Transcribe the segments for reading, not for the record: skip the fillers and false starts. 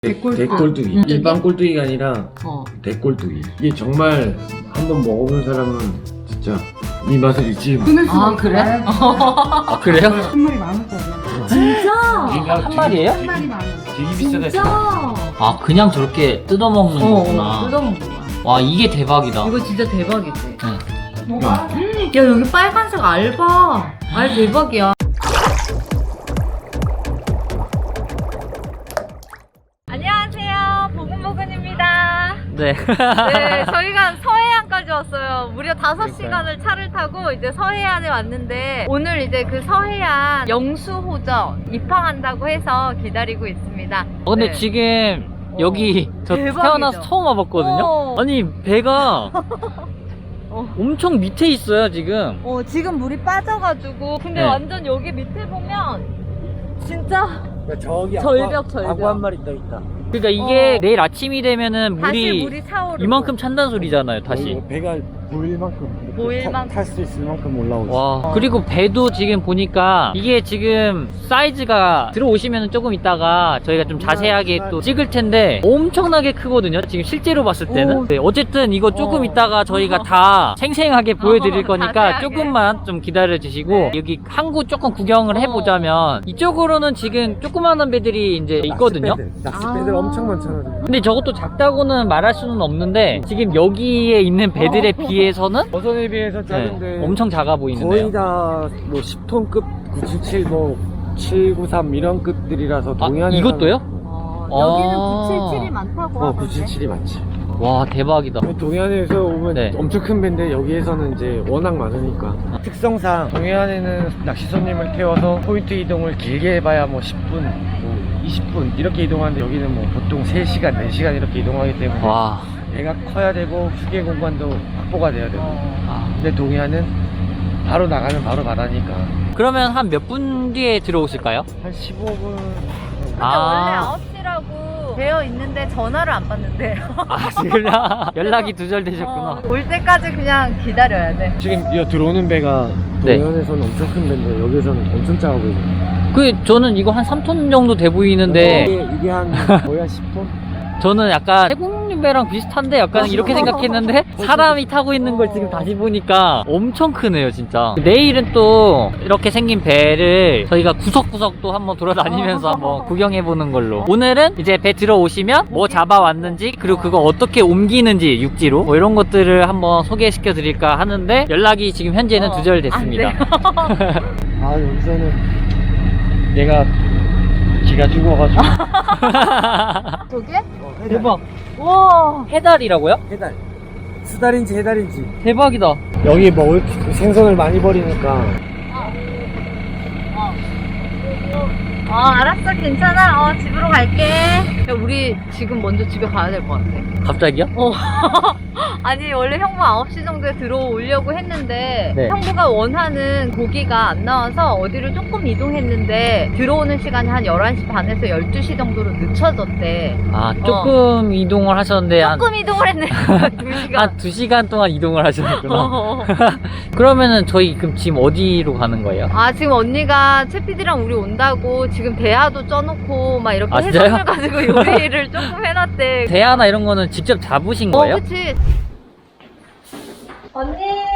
대꼴뚜기. 일반 꼴뚜기가 아니라 대꼴뚜기. 이게 정말 한번 먹어본 사람은 진짜 이 맛을 잊지 못. 아 그래? 아 그래요? 한 마리 10,000원짜리. 진짜? 한 마리예요? 한 마리 10,000원. 되게 비싸다. 진짜? 아 그냥 저렇게 뜯어먹는 거구나. 뜯어먹는 거야. 와 이게 대박이다. 이거 진짜 대박이지. 뭐가? 야 여기 빨간색 알바. 알 대박이야. 안녕하세요, 보근보근입니다. 네. 네, 저희가 서해안까지 왔어요. 무려 5시간을 차를 타고 이제 서해안에 왔는데 오늘 이제 그 서해안 영수호전 입항한다고 해서 기다리고 있습니다. 근데 네. 지금 여기 저 대박이죠? 태어나서 처음 와봤거든요. 아니 배가 엄청 밑에 있어요 지금. 지금 물이 빠져가지고 근데 네. 완전 여기 밑에 보면 진짜 저기 절벽. 아구 한 마리 떠 있다. 그러니까 이게 내일 아침이 되면은 다시 물이 차오르고 이만큼 찬다는 소리잖아요 다시. 배가 보일 만큼 보일 만큼. 탈 수 있을 만큼 올라오지. 와 그리고 배도 지금 보니까 이게 지금 사이즈가 들어오시면 조금 있다가 저희가 좀 자세하게 또 찍을 텐데 엄청나게 크거든요 지금 실제로 봤을 때는. 네, 어쨌든 이거 조금 있다가 저희가 다 생생하게 보여드릴 거니까 자세하게. 조금만 좀 기다려 주시고 네. 여기 항구 조금 구경을 해보자면 이쪽으로는 지금 조그마한 배들이 이제 있거든요. 낚싯배들 엄청 많잖아. 근데 저것도 작다고는 말할 수는 없는데 지금 여기에 있는 배들에 비해서는 어선에 비해서 작은데 네, 엄청 작아 보이는데요. 거의 다 뭐 10톤급 977 뭐 793 이런 급들이라서 동해안에 이것도요? 여기는 아. 977이 많다고 하던데. 977이 많지. 와 대박이다. 동해안에서 오면 네. 엄청 큰 배인데 여기에서는 이제 워낙 많으니까 특성상 동해안에는 낚시 손님을 태워서 포인트 이동을 길게 해봐야 뭐 10분, 뭐 20분 이렇게 이동하는데 여기는 뭐 보통 3시간, 4시간 이렇게 이동하기 때문에 와. 배가 커야 되고 휴게 공간도 확보가 돼야 되고. 아. 근데 동해안은 바로 나가면 바로 바다니까 그러면 한 몇 분 뒤에 들어오실까요? 한 15분. 근데 아. 원래 9시라고 되어 있는데 전화를 안 받는데요. 아 지금 연락이 두절되셨구나. 올 때까지 그냥 기다려야 돼. 지금 이 들어오는 배가 네. 동해안에서는 엄청 큰 배인데 여기서는 엄청 작아 보이거든요. 그 저는 이거 한 3톤 정도 돼 보이는데 이게 한 거의 한 10톤? 저는 약간 태국배랑 비슷한데 약간 이렇게 생각했는데 사람이 타고 있는 걸 지금 다시 보니까 엄청 크네요 진짜. 내일은 또 이렇게 생긴 배를 저희가 구석구석 또 한번 돌아다니면서 한번 구경해보는 걸로. 오늘은 이제 배 들어오시면 뭐 잡아왔는지 그리고 그거 어떻게 옮기는지 육지로 뭐 이런 것들을 한번 소개시켜 드릴까 하는데 연락이 지금 현재는 두절됐습니다. 아 여기서는 얘가 기가 죽어가지고 저게? 대박. 와 해달이라고요? 해달 수달인지 해달인지 대박이다. 여기 먹을 생선을 많이 버리니까 알았어, 괜찮아. 집으로 갈게. 야, 우리 지금 먼저 집에 가야 될 것 같아. 갑자기요? 아니, 원래 형부 9시 정도에 들어오려고 했는데 네. 형부가 원하는 고기가 안 나와서 어디를 조금 이동했는데 들어오는 시간이 한 11시 반에서 12시 정도로 늦춰졌대. 아 조금 이동을 하셨는데 조금 이동을 했네. 2시간. 한 2시간 동안 이동을 하셨구나. 그러면은 저희 그럼 지금 어디로 가는 거예요? 지금 언니가 채피디랑 우리 온다고 지금 대하도 쪄놓고 막 이렇게 아, 진짜요? 해산물 가지고 요리를 조금 해놨대. 대하나 이런 거는 직접 잡으신 거예요? 그치. 언니.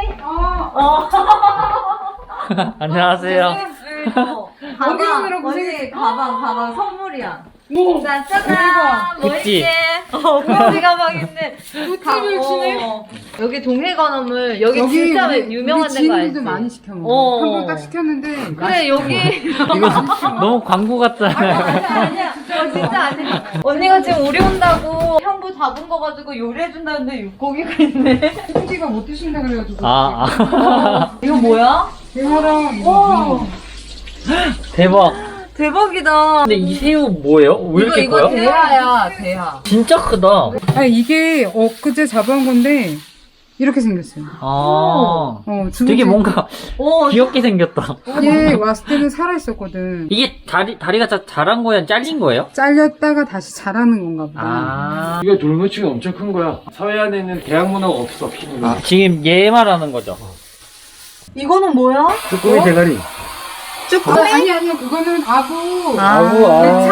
안녕하세요. 가방, 언니 가방 선물이야. 자, 짜잔. 뭐 구찌. 있게? 구찌 가방인데. 구찌를 주네? 여기 동해건어물 여기 진짜 유명한 우리 데가 알지? 지인들도 많이 시켜 먹어. 한 번 딱 시켰는데 그래 여기 이거 너무 광고 같잖아요. 아니야 진짜 아니야. 언니가 지금 우리 온다고 형부 잡은 거 가지고 요리해준다는데 고기가 있네. 홍지가 못 드신다 그래가지고. 이거 뭐야? 대하랑 와 대박. 대박이다. 근데 이 새우 뭐예요? 왜 이렇게 이거 커요? 대하야 대하. 진짜 크다. 아 이게 엊그제 잡아온 건데 이렇게 생겼어요. 되게 뭔가 오 귀엽게 생겼다. 얘 왔을 때는 살아있었거든. 이게 다리가 자란 거야? 잘린 거예요? 잘렸다가 다시 자라는 건가 보다. 이거 돌무치가 엄청 큰 거야. 서해안에는 대학문어가 없어. 지금 얘 말하는 거죠? 이거는 뭐야? 쭈꾸미 대가리. 쭈꾸미? 아니요 그거는 아구. 아구, 참.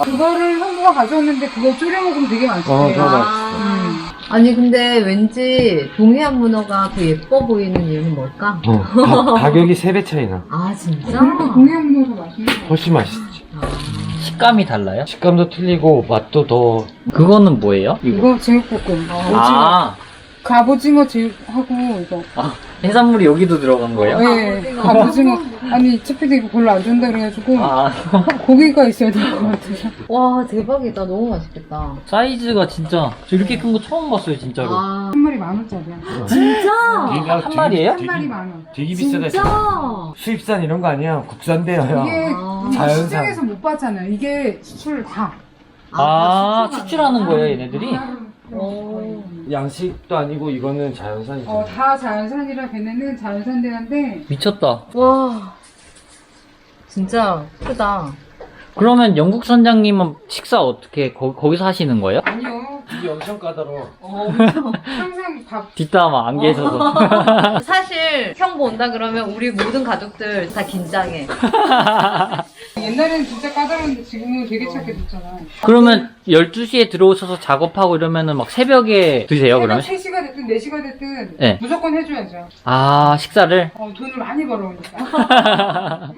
그거를 형부가 가져왔는데 그거 졸여 먹으면 되게 맛있대. 그거 맛있어. 아니 근데 왠지 동해안 문어가 더 예뻐 보이는 이유는 뭘까? 가격이 3배 차이나. 아 진짜? 그러니까 동해안 문어도 맛있는 거. 훨씬 맛있지. 식감이 달라요? 식감도 틀리고 맛도 더. 그거는 뭐예요? 이거 제육볶음. 아, 갑오징어 제육하고 이거. 해산물이 여기도 들어간 거예요? 네, 갑오징어. 아니 채피도 이거 별로 안 좋다 그래가지고 아, 고기가 있어야 될 것 같아서. 와 대박이다. 너무 맛있겠다. 사이즈가 진짜 저 이렇게 큰 거 처음 봤어요, 진짜로. 아 한 마리 10,000원짜리야. 진짜? 한 마리예요? 한 마리 10,000원. 되게 비싸다. 진짜? 수입산 이런 거 아니야. 국산대야. 이게 자연산. 시중에서 못 봤잖아요. 이게 수출 다. 아, 수출하는 거예요, 얘네들이? 오. 양식도 아니고 이거는 자연산이죠. 다 자연산이라 걔네는 자연산 대한데 미쳤다. 와 진짜 크다. 그러면 영국 선장님은 식사 어떻게 거기서 하시는 거예요? 아니요. 이게 엄청 까다로워. 항상 밥 뒷담 안 계셔서. 사실 형부 온다 그러면 우리 모든 가족들 다 긴장해. 옛날에는 진짜 까다로웠는데 지금은 되게 착해졌잖아. 그러면 12시에 들어오셔서 작업하고 이러면은 막 새벽에 드세요, 그러면? 3시가 됐든 4시가 됐든 네. 무조건 해줘야죠. 아, 식사를? 돈을 많이 벌어오니까.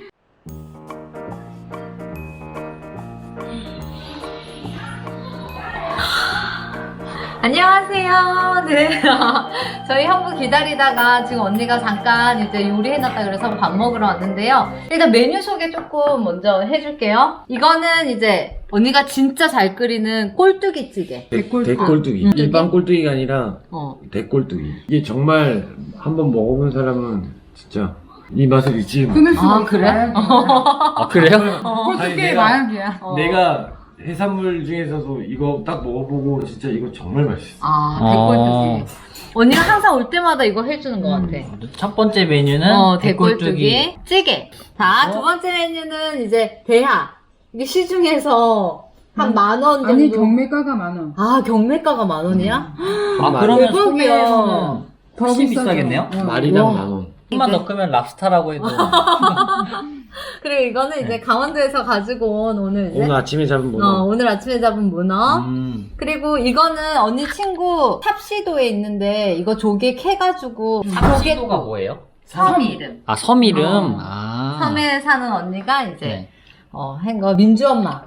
안녕하세요. 네. 저희 형부 기다리다가 지금 언니가 잠깐 이제 요리해놨다 그래서 밥 먹으러 왔는데요. 일단 메뉴 소개 조금 먼저 해줄게요. 이거는 이제 언니가 진짜 잘 끓이는 꼴뚜기찌개. 대꼴뚜기. 일반 꼴뚜기가 아니라 어. 대꼴뚜기. 이게 정말 한번 먹어본 사람은 진짜 이 맛을 잊지 못. 끊을 수가 아, 없어. 그래? 아, 그래요? 아니, 꼴뚜기의 내가- 마약이야. 내가 해산물 중에서도 이거 딱 먹어보고 진짜 이거 정말 맛있어. 아, 어. 대꼴뚜기. 언니가 항상 올 때마다 이거 해주는 것 같아. 첫 번째 메뉴는 대꼴뚜기 찌개. 자, 두 번째 메뉴는 이제 대하. 이게 시중에서 한 10,000원 정도. 아니 경매가가 10,000원. 아, 경매가가 10,000원이야? 아, 그러면 대박이야. 소매에서는 더 훨씬 비싸죠. 비싸겠네요? 마리당 와. 10,000원. 한만 더 끄면 랍스타라고 해도. 그리고 이거는 이제 강원도에서 가지고 온 오늘 이제 오늘 아침에 잡은 문어. 오늘 아침에 잡은 문어. 그리고 이거는 언니 친구 탑시도에 있는데 이거 조개 캐가지고 탑시도가 뭐예요? 섬 이름. 아, 섬 이름? 어. 아. 섬에 사는 언니가 이제 네. 한 거 민주 엄마.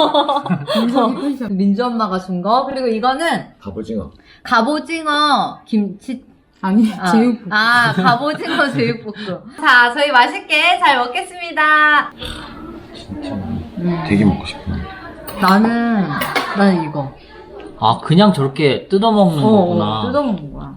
민석이 펜션. 민주 엄마가 준 거. 그리고 이거는 갑오징어. 갑오징어 김치. 아니 제육볶음. 갑오징어 제육볶음. 자, 저희 맛있게 잘 먹겠습니다. 진짜 되게 먹고 싶어. 나는 이거. 아, 그냥 저렇게 뜯어먹는 거구나. 뜯어먹는 거야.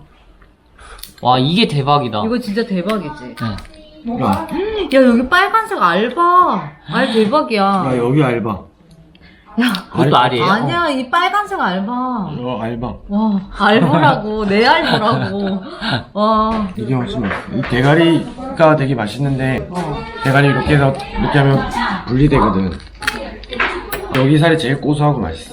와, 이게 대박이다. 이거 진짜 대박이지. 네. 뭐가? 야, 야, 여기 빨간색 알바. 알 대박이야. 야 여기 알바. 그것도 알이에요? 아니야, 이 빨간색 알바. 알바. 와, 알보라고. 내 알보라고. 와. 이게 훨씬 맛있어. 이 대가리가 되게 맛있는데 대가리 이렇게 해서 이렇게 하면 분리되거든. 여기 살이 제일 고소하고 맛있어.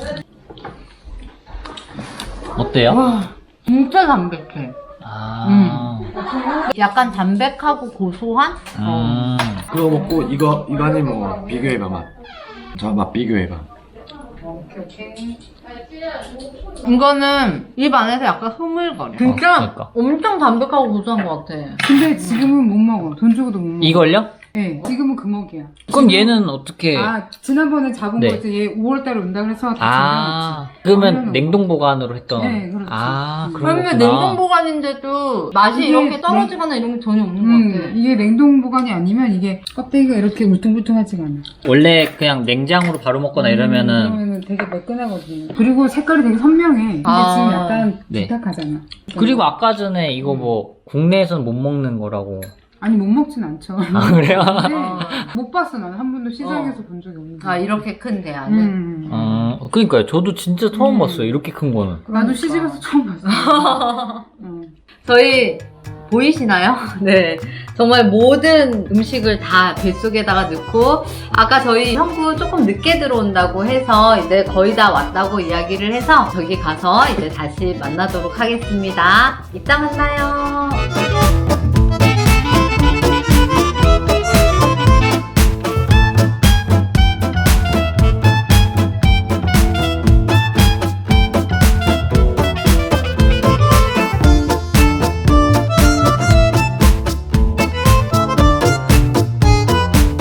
어때요? 와, 진짜 담백해. 아. 약간 담백하고 고소한? 그거 먹고 이거 안에 뭐 비교해봐 맛. 자 맛 비교해봐. 오케이. 이거는 입 안에서 약간 흐물거려. 진짜 그러니까. 엄청 담백하고 고소한 것 같아. 근데 지금은 못 먹어. 돈 주고도 못 먹어. 이걸요? 네, 지금은 금옥이야. 그럼 얘는 어떻게? 지난번에 잡은 네. 거 있지. 얘 5월달에 온다 그래서 다 아, 챙겨놨지. 그러면 냉동 보관으로 했던. 네, 그렇죠. 아, 그런 그러면 거구나. 냉동 보관인데도 맛이 이게 이렇게 떨어지거나 이런 게 전혀 없는 것 같아. 이게 냉동 보관이 아니면 이게 껍데기가 이렇게 울퉁불퉁하지가 않아. 원래 그냥 냉장으로 바로 먹거나 이러면은 그러면은 되게 매끈하거든요. 그리고 색깔이 되게 선명해. 근데 아. 지금 약간 네. 비탁하잖아. 그리고 아까 전에 이거 뭐 국내에서는 못 먹는 거라고. 아니 못 먹진 않죠. 아, 그래요? 근데 못 봤어. 나는 한 번도 시장에서 본 적이 없는데. 아, 이렇게 큰 대야는. 그러니까요. 저도 진짜 처음 봤어요. 이렇게 큰 거는. 나도 시집가서 처음 봤어. 저희 보이시나요? 네. 정말 모든 음식을 다 뱃속에다가 넣고, 아까 저희 형부 조금 늦게 들어온다고 해서 이제 거의 다 왔다고 이야기를 해서 저기 가서 이제 다시 만나도록 하겠습니다. 이따 만나요.